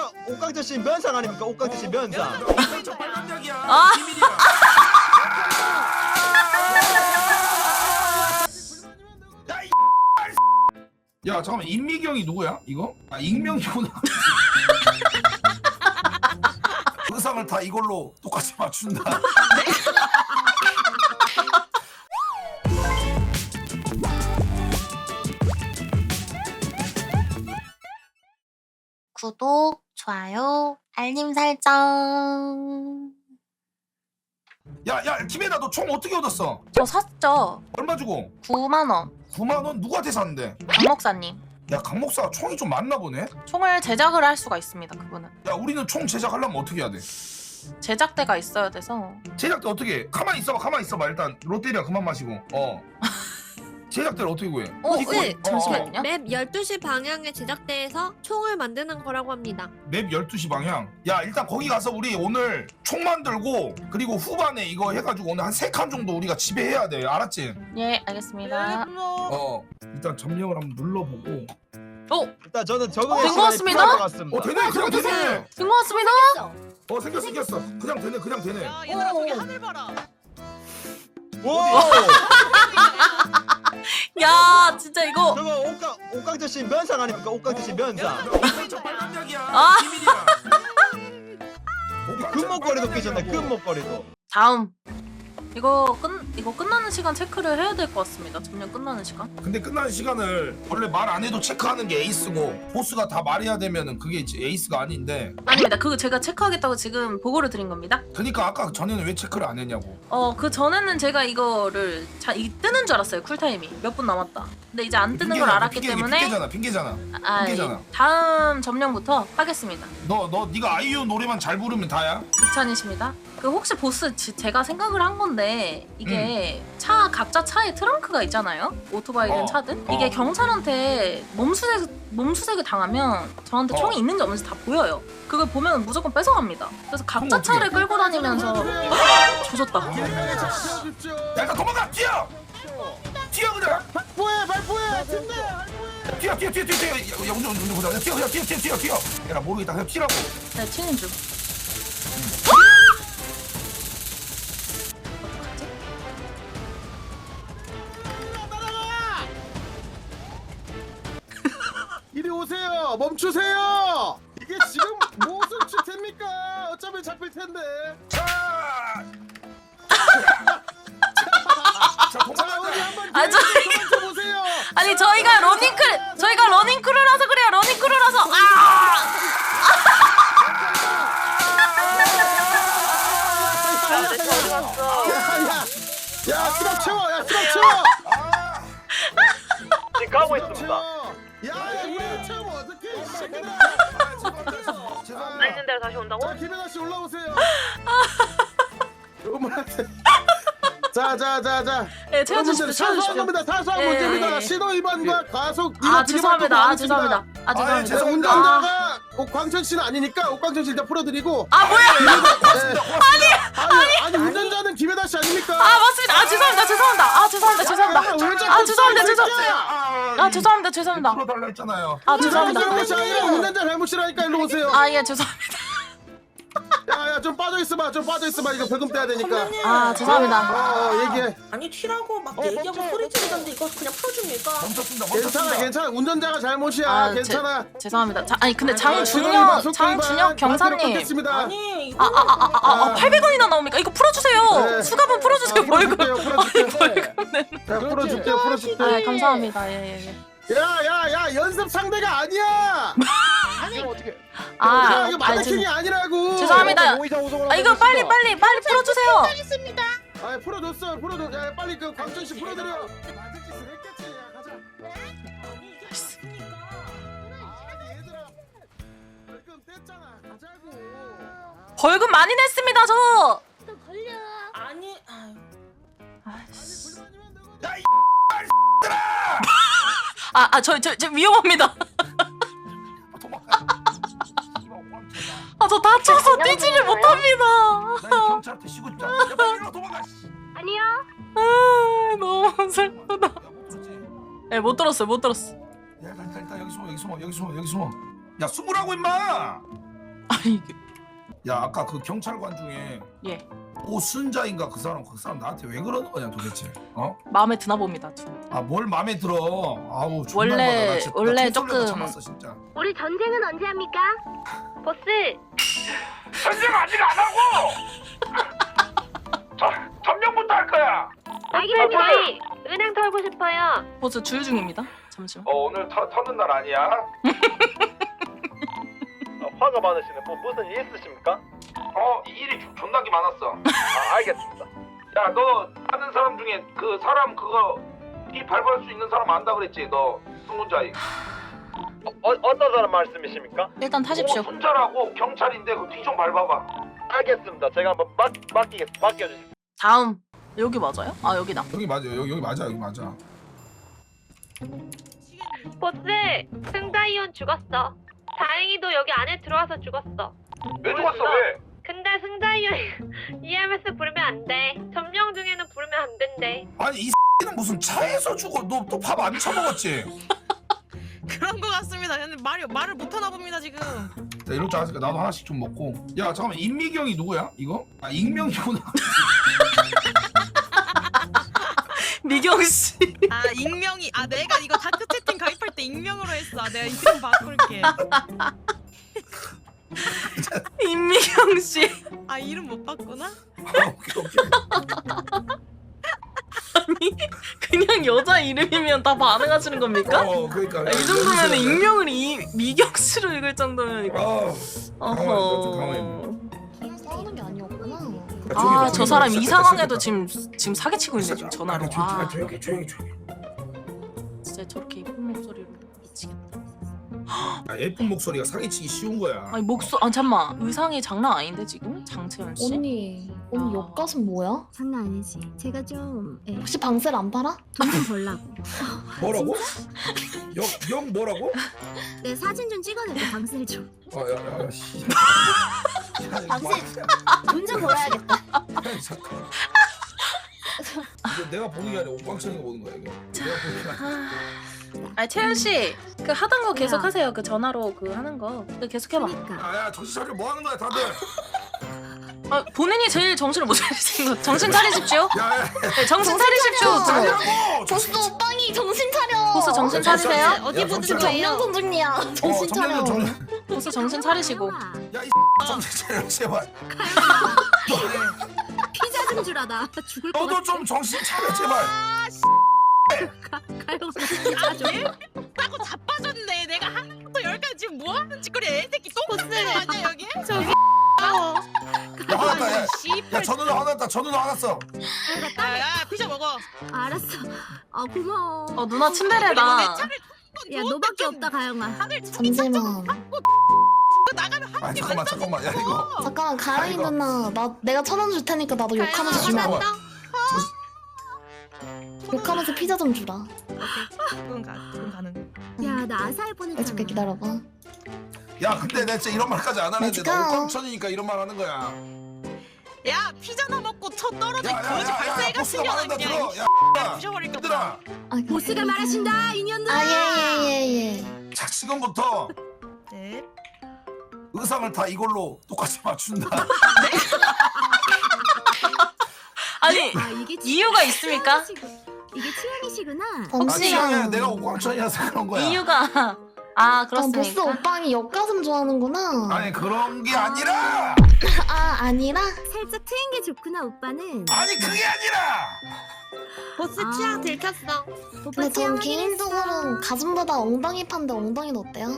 옥강철씨 면상 아닙니까? 옥강철씨 면상. 저 빨간 약이야. 아. 비밀이야. 야 잠깐만 임미경이 누구야 이거? 아 익명이구나. 의상을 다 이걸로 똑같이 맞춘다. 구독, 좋아요, 알림 설정. 야야 김혜나 너 총 어떻게 얻었어? 저 샀죠. 얼마 주고? 9만 원. 9만 원 누구한테 샀는데? 강 목사님. 야 강 목사가 총이 좀 많나 보네. 총을 제작을 할 수가 있습니다. 그분은 야 우리는 총 제작하려면 어떻게 해야 돼? 제작대가 있어야 돼서. 제작대 어떻게 해? 가만히 있어봐 일단 롯데리아 그만 마시고 제작대를 어떻게 구해? 네, 잠시만요. 맵 12시 방향의 제작대에서 총을 만드는 거라고 합니다. 맵 12시 방향. 야 일단 거기 가서 우리 오늘 총 만들고 그리고 후반에 이거 해가지고 오늘 한 3칸 정도 우리가 지배해야 돼. 알았지? 예, 알겠습니다. 일단 점령을 한번 눌러보고. 오, 일단 저는 적응의 된 것 시간이 같습니다. 필요할 것 같습니다. 되네 그냥 되네. 된 것 같습니다. 생겼어. 그냥 되네. 야 얘들아 저기 하늘 봐라. 오! 야, 진짜 이거. 저거 옥강철씨 면상 아닙니까? 옥강철씨 면상. 저 빨간 약이야. 아. 비밀이야. 금목걸이도 끼셨네. 금목걸이도. 다음. 이거 끝나는 시간 체크를 해야 될 것 같습니다. 점령 끝나는 시간. 근데 끝나는 시간을 원래 말 안 해도 체크하는 게 에이스고 보스가 다 말해야 되면은 그게 이제 에이스가 아닌데. 아닙니다. 그거 제가 체크하겠다고 지금 보고를 드린 겁니다. 그러니까 아까 전에는 왜 체크를 안 했냐고. 그 전에는 제가 이거를 이 뜨는 줄 알았어요. 쿨타임이 몇 분 남았다. 근데 이제 안 뜨는 걸 알았기 때문에 핑계잖아. 다음 점령부터 하겠습니다. 너 네가 아이유 노래만 잘 부르면 다야? 극찬이십니다. 그 혹시 보스 제가 생각을 한 건데 이게 차 각자 차에 트렁크가 있잖아요. 오토바이든 차든 이게 경찰한테 몸수색을 당하면 저한테 총이 있는지 없는지 다 보여요. 그걸 보면 무조건 뺏어갑니다. 그래서 각자 차를 끌고 다니면서 조졌다. 야 일단 도망가! 뛰어 그냥! 발포해! 팀들! 뛰어 야 운전 보자. 뛰어 야 나 모르겠다 그냥 뛰라고. 네, 튀는 중. 이리 오세요! 멈추세요! 이게 지금 무슨 추태입니까? 어차피 잡힐 텐데. 자 도망가. 어디 한번 아, 보세요. 아니 저희가 러닝크루라서 그래요. 러닝크루라서 야, 수갑 채워! 지금 가고 있습니다. 야, 우리 채워 어떻게? 나 있는 대로 다시 온다고? 김혜나 씨 올라오세요. 어머한테. 자. 네, 채워주십시오. 사소한 겁니다. 사소한 예, 문제입니다. 예. 신호 위반과 과속 죄송합니다. 죄송합니다. 운전자가 옥광천 씨는 아니니까 옥광천 씨 일단 풀어드리고. 뭐야? 아니 운전자는 김혜나 씨 아닙니까? 맞습니다. 죄송합니다. 풀어달라 했잖아요. 죄송합니다. 잘못이 아니라 운전자 잘못이라니까 일로 오세요. 예, 죄송합니다. 야, 좀 빠져 있어봐. 이거 벌금 떼야 되니까. 죄송합니다. 얘기해. 아니 튀라고 막 얘기하고 소리 지르던데 이거 그냥 풀어줍니까? 멈췄습니다. 괜찮아. 운전자가 잘못이야. 괜찮아. 죄송합니다. 근데 장준혁 경사님. 아니 이거 800원이나 나옵니까? 이거 풀어주세요. 네. 수갑은 풀어주세요. 벌금. 풀어줄게. 감사합니다. 예. 야, 연습 상대가 아니야. 이거 마네킹이 아니라고. 죄송합니다. 이거 빨리 풀어주세요. 풀어줬어. 야, 빨리 그 광천 씨 풀어드려. 맞을 짓을 했겠지. 야, 가자. 얘들아. 벌금 뗐잖아. 가자고. 벌금 많이 냈습니다. 저. 아니 저 위험합니다. 저 다쳐서 뛰지를 못합니다. 경찰한테 쉬고 싶다. 야 빨리 일로 도망가. 너무 슬프다. 네, 못 들었어요. 야 일단 여기 숨어. 야 숨으라고 임마. 아니 이게 야 아까 그 경찰관 중에 예 오순자인가 그 사람 나한테 왜 그러는 거냐 도대체? 어? 마음에 드나 봅니다. 저. 아 뭘 마음에 들어? 아우 존나 원래- 받아. 나 진짜- 나 원래 총소리가 조금- 참았어 진짜. 우리 전쟁은 언제 합니까? 보스, 전쟁 아직 안 하고. 점령부터 할 거야. 알겠습니다. 저희 은행 털고 싶어요. 보스 주유 중입니다. 잠시만. 오늘 터는 날 아니야? 화가 많으시네. 뭐 무슨 일 있으십니까? 이 일이 존나게 많았어. 아, 알겠습니다. 야 너 아는 사람 중에 그 사람 그거 이 밟을 수 있는 사람 안다 그랬지 너 승문자이. 어떤 사람 말씀이십니까? 일단 타십시오. 순자라고 경찰인데 그 뒤 좀 밟아봐. 알겠습니다. 제가 한번 맡겨주십시오. 다음 여기 맞아요? 아 여기다. 여기 맞아 여기 맞아 여기 맞아. 보스, 승자이온 죽었어. 다행히도 여기 안에 들어와서 죽었어. 왜 죽었어 왜? 근데 승자이온 EMS 부르면 안 돼. 점령 중에는 부르면 안 된대. 아니 이 는 무슨 차에서 죽어? 너 또 밥 안 처먹었지? 그런 거 같습니다. 근데 말을 못 하나 봅니다 지금. 자 이럴 줄 알았으니까 나도 하나씩 좀 먹고. 야 잠깐만 임미경이 누구야 이거? 아 익명이구나. 미경 씨. 아 익명이 내가 이거 다크 채팅 가입할 때 익명으로 했어. 내가 이름 바꿀게. 임미경 씨. 아 이름 못 바꾸나? 오케이. 아니 그냥 여자 이름이면 다 반응하시는 겁니까? 그러니까. 이 정도면 익명을 미경 씨로 읽을 정도면 이거. 가만히 싸우는 게 아니었구나. 아 저 사람 이 상황에도 지금 사기치고 있네 지금 전화로. 아 조용히. 진짜 저렇게 예쁜 목소리로 미치겠다. 예쁜 목소리가 사기치기 쉬운 거야. 아니 아 잠만 의상이 장난 아닌데 지금 장채연 씨? 언니 아. 옆가슴 뭐야? 장난 아니지. 제가 좀 혹시 방셀 안 팔아? 돈 좀 벌라고. 뭐라고? 영 뭐라고? 내 사진 좀 찍어낼게. 방셀 좀. 야 씨. 돈 좀 벌어야겠다. 잠깐. 이거 내가 보는 게 아니라 옥방천이가 보는 거야 이거. 내가 보는 게 아니라. 아니 채연 씨 그 하던 거 계속 뭐야? 하세요. 그 전화로 그 하는 거. 그 계속 해봐. 그러니까. 야 정신 차려 뭐 하는 거야 다들. 아 본인이 제일 정신을 못 차리신 거. 정신 차리십시오. 야. 네, 정신 차리십시오. 좀. 아니라고. 보스 오빵이 정신 차려. 보스 정신 차리세요. 어디 야, 보는 정신 거예요? 정면 중이야. 정신 차려. 보스 정신 차리시고. 야이 정신 차려 제발. 피자 좀 주라. 나 죽을 것 너도 같아. 좀 정신 차려 제발. 가요. 아니? 따고 자빠졌네. 내가 하나부터 10까지 지금 뭐 하는 짓거리 애새끼 똥 쓰는 거 아니야 여기? 저기. 야 화났다 야. 야 씨발. 저 누나 화났다 저 누나 화났어. 야 피자 먹어. 알았어. 아 고마워. 누나 내 친데레다. 차를 야 너밖에 없다 가영아. 다들 잠시만. 나가면 아 잠깐만 야 이거. 잠깐만 가영이 아이고. 누나 내가 1,000원 줄 테니까 나도 욕하면서 주라. 잠깐만. 욕하면서 피자 좀 주라. 그건 가능. 야 나 아사히 보냈잖아. 해줄게 기다려봐. 야 근데 내가 진짜 이런 말까지 안 하는데 let's go. 나 옥방천이니까 이런 말 하는 거야. 야 피자나 먹고 쳐 떨어져 야, 거지 발사해가 보스가 말한다 쓰려는 들어. 게 야 부셔버릴까 얘들아. 아, 보스가 말하신다 인연들아. 아예예예. 자 지금부터 네. 의상을 다 이걸로 똑같이 맞춘다. 아니 아 이게 이유가 있습니까? 이게 취향이시구나. 아 취향에 잠시만. 내가 옥방천이라서 그런 거야. 이유가 보스 그렇습니까? 오빵이 옆가슴 좋아하는구나. 아니 그런 게 아니라. 아니라? 살짝 트인 게 좋구나 오빠는. 아니 그게 아니라. 보스 아. 취향 들켰어. 오빠 근데 전 취향 개인적으로는 가슴보다 엉덩이 판데 엉덩이는 어때요?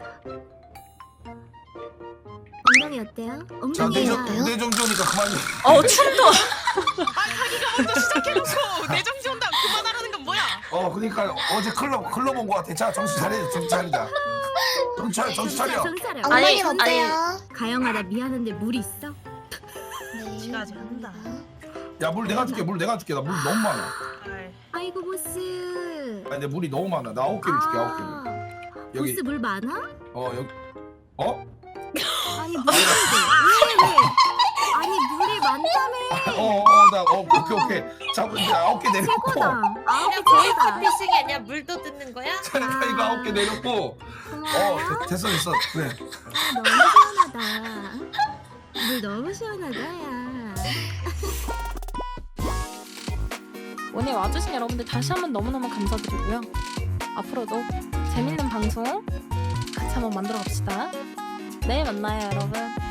엉덩이 어때요? 자 엉덩이야. 어때요? 내정지오니까 그만. 춤도. 자기가 먼저 시작해놓고 내정지 온다 그만하라는 건 뭐야? 그러니까 어제 클럽 온 거 같아. 자 정신 차리자. 정신 차려. 정신 차려. 아니, 엉덩이는 어때요? 가영아 나 미안한데 물 있어? 네. 지가 아직 한다. 야 물 내가 줄게. 물 내가 줄게. 나 물 너무 많아. 아이, 아이고 보스. 아니 내 물이 너무 많아. 나 9개를 줄게. 9개를. 여기 보스 물 많아? 여기 아니 물인데 왜? 아니 물이 많다며. 오케이. 자 이제 9개 내렸고. 최고다. 아홉 개 거의 최고다. 커피식이 아니야 물도 뜯는 거야? 자 이거 9개 내렸고. 고마워요. 됐어. 그래. 너무 시원하다. 물 너무 시원하다 야. 오늘 와주신 여러분들 다시 한번 너무너무 감사드리고요. 앞으로도 재밌는 방송 같이 한번 만들어 갑시다. 내일 만나요, 여러분.